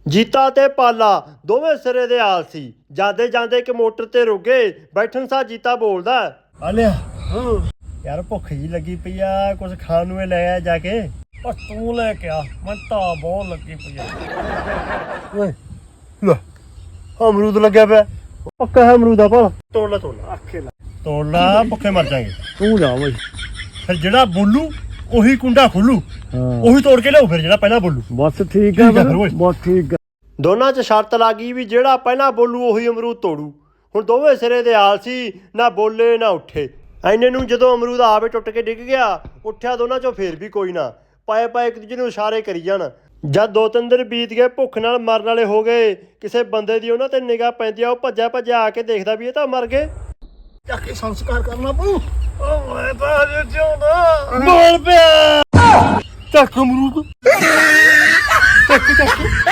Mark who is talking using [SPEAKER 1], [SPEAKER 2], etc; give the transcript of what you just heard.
[SPEAKER 1] ਜੀਤਾ ਤੇ ਪਾਲਾ ਦੋਵੇਂ ਸਿਰੇ ਦੇ ਆਲਸੀ ਜਾਂਦੇ ਜਾਂਦੇ ਇੱਕ ਮੋਟਰ ਤੇ ਰੁਕ ਗਏ। ਬੈਠਣ ਸਾਰ ਜੀਤਾ ਬੋਲਦਾ, ਆਲਿਆ ਯਾਰ ਭੁੱਖ ਜੀ ਲੱਗੀ ਪਈ ਆ, ਕੁਝ ਖਾਣ ਨੂੰ ਲੈ ਆ ਜਾ ਕੇ।
[SPEAKER 2] ਪਰ ਤੂੰ ਲੈ ਕੇ ਆ, ਮੈਂ ਤਾਂ ਬਹੁਤ ਲੱਗੀ ਪਈ ਆ।
[SPEAKER 1] ਓਏ ਲੈ ਅਮਰੂਦ ਲੱਗਿਆ ਪਿਆ, ਪੱਕਾ ਹੈ ਅਮਰੂਦ ਆ ਭਲਾ। ਤੋੜ ਲਾ
[SPEAKER 2] ਆਖੇ ਲਾ
[SPEAKER 1] ਤੋੜ ਲਾ, ਭੁੱਖੇ ਮਰ ਜਾਗੇ।
[SPEAKER 2] ਤੂੰ ਜਾ ਬਈ।
[SPEAKER 1] ਫਿਰ ਜਿਹੜਾ ਬੋਲੂ ਉਹੀ ਕੁੰਡਾ ਖੋਲੂ, ਉਹੀ ਤੋੜ ਕੇ ਲਿਆਓ। ਫਿਰ ਜਿਹੜਾ ਪਹਿਲਾਂ ਬੋਲੂ
[SPEAKER 2] ਬਸ ਠੀਕ
[SPEAKER 1] ਆ ਫਿਰ ਓਏ।
[SPEAKER 2] ਬਸ ਠੀਕ ਆ।
[SPEAKER 1] ਦੋਨਾਂ 'ਚ ਸ਼ਰਤ ਲੱਗ ਗਈ ਵੀ ਜਿਹੜਾ ਪਹਿਲਾਂ ਬੋਲੂ ਉਹੀ ਅਮਰੂਦ ਤੋੜੂ। ਹੁਣ ਦੋਵੇਂ ਸਿਰੇ ਦੇ ਆਲਸੀ, ਨਾ ਬੋਲੇ ਨਾ ਉੱਠੇ। ਐਨੇ ਨੂੰ ਜਦੋਂ ਅਮਰੂਦ ਆਪੇ ਟੁੱਟ ਕੇ ਡਿੱਗ ਗਿਆ, ਉੱਠਿਆ ਦੋਨਾਂ 'ਚੋਂ ਫੇਰ ਵੀ ਕੋਈ ਨਾ। ਪਾਏ ਪਾਏ ਇੱਕ ਦੂਜੇ ਨੂੰ ਇਸ਼ਾਰੇ ਕਰੀ ਜਾਣ। ਜਦ 2-3 ਦਿਨ ਬੀਤ ਗਏ, ਭੁੱਖ ਨਾਲ ਮਰਨ ਵਾਲੇ ਹੋ ਗਏ, ਕਿਸੇ ਬੰਦੇ ਦੀ ਉਹਨਾਂ ਤੇ ਨਿਗਾਹ ਪੈਂਦੀ ਆ। ਉਹ ਭੱਜਿਆ ਭੱਜਿਆ ਆ ਕੇ ਦੇਖਦਾ ਵੀ ਇਹ ਤਾਂ ਮਰ ਗਏ।
[SPEAKER 2] ਜਾ ਕੇ ਸੰਸਕਾਰ ਕਰਨਾ ਪਊ। ਓ ਮੈਂ ਤਾਂ ਅਜੇ ਜਿਉਂਦਾ।
[SPEAKER 1] ਬੋਲ ਪਿਆ ਚੱਕ ਅਮਰੂਦ, ਚੱਕ ਚੱਕ।